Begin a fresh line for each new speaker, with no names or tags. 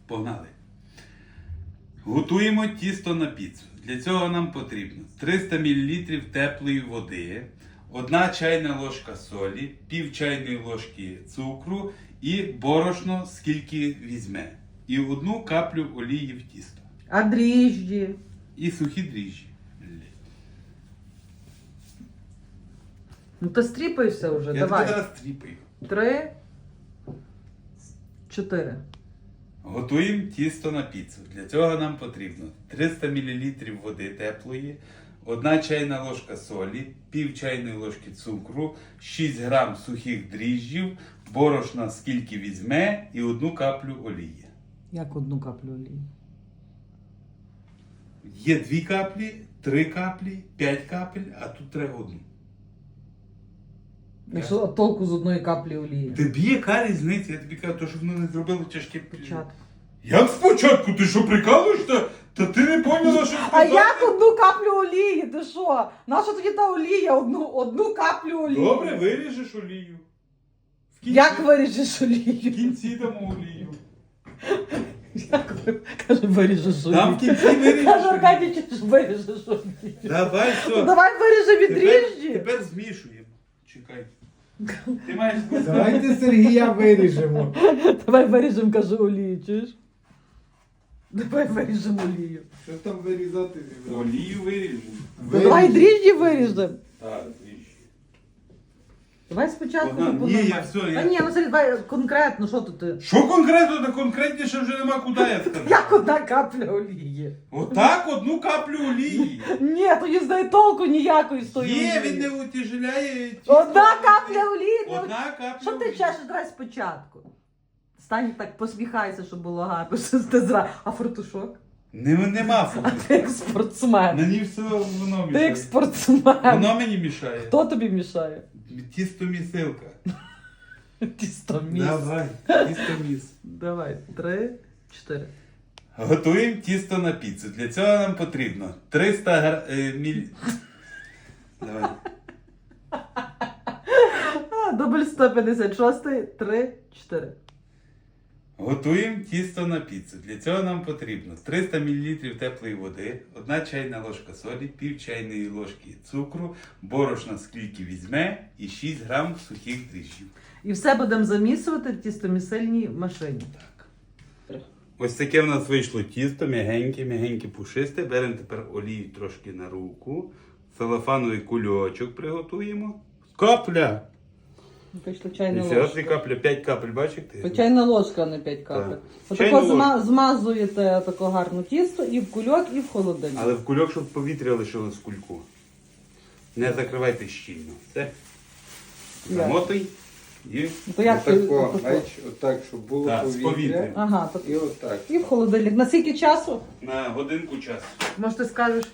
Погнали. Готуємо тісто на піцу. Для цього нам потрібно 300 мл теплої води, 1 чайна ложка солі, пів чайної ложки цукру і борошно, скільки візьме. І 1 каплю олії в тісто.
А дріжджі?
І сухі дріжджі.
Ну то стріпайся вже,
Я
давай.
тебе зараз тріпаю.
3, 4.
Готуємо тісто на піцу. Для цього нам потрібно 300 мл води теплої, 1 чайна ложка солі, пів чайної ложки цукру, 6 грам сухих дріжджів, борошна скільки візьме і 1 каплю олії.
Як 1 каплю олії?
Є 2 каплі, 3 каплі, 5 капель, а тут треба 1.
Якщо толку з 1 каплі олії?
Тобі яка різниця? Я тобі кажу, то, що воно не зробило тяжке.
Початку.
Як спочатку? Ти що, прикалуєшся? Та ти не поняла, що
А
сказати?
як 1 каплю олії? Ти що? Наша тоді та олія? Одну каплю олії.
Добре, виріжеш олію. В кінці,
Як виріжеш
в
олію?
кінці дамо олію.
Як каже, виріжеш олію?
Там в кінці виріжеш
Каже,
олію.
Аркадій, чи ж виріжеш олію?
Давай,
Ну,
все.
давай виріжемо від дріжджі.
Тепер змішуємо. Чекай. Ти маєш змішати.
Давайте Сергія виріжемо.
Давай виріжемо, каже, олію, чуєш? Давай виріжемо олію.
Що там вирізати?
Олію виріжемо.
Давай дріжджі виріжемо.
Так, двічі.
Давай спочатку.
Богдан,
по
ні, я
нормально.
все,
Та
я-
ні, ну Сергій, давай конкретно, що тут ти?
Що конкретно? Та конкретніше вже нема куди я сказав.
Як 1 капля олії?
Отак 1 каплю олії.
Ні, тоді знає толку ніякої з тої
Є,
олії.
він не утяжеляє. тісто.
1 капля олії. не
1 капля
Що ти
олії.
чешеш, давай спочатку. Стань так, посміхайся, щоб було гарно, що ти зра. А фартушок?
Нема
А
фото.
ти як спортсмен.
Мені все воно
Ти як
мішає.
спортсмен.
Воно мені мішає.
Хто тобі мішає?
Тісто-місилка.
Тістоміс.
Давай, тісто-міс.
Давай, 3, 4.
Готуємо тісто на піцу. Для цього нам потрібно 300 мл. Давай.
Дубль 156, 3, 4.
Готуємо тісто на піцу. Для цього нам потрібно 300 мл теплої води, 1 чайна ложка солі, пів чайної ложки цукру, борошна скільки візьме і 6 грам сухих дріжджів.
І все будемо замісувати в тістомісильній машині.
Так. Ось таке в нас вийшло тісто, м'ягеньке, пушисте. Беремо тепер олію трошки на руку. Целофановий кульочок приготуємо. Капля!
Вийшла чайна
І ще
ложка.
капля, 5 капель, бачите?
То чайна ложка, а не 5 капель.
Так. Чайна
Отако
ложка.
змазуєте тако гарно тісто і в кульок, і в холодильник.
Але в кульок, щоб повітря лишилось в кульку. Не закривайте щільно. Все.
Як?
Замотуй. І
Ну, то як ти-
Отако,
отако?
бач, отак, щоб було
Так, з
повітря.
повітрям.
Ага, то...
І отак.
і в холодильник. На скільки часу?
на годинку часу.
Може ти скажеш?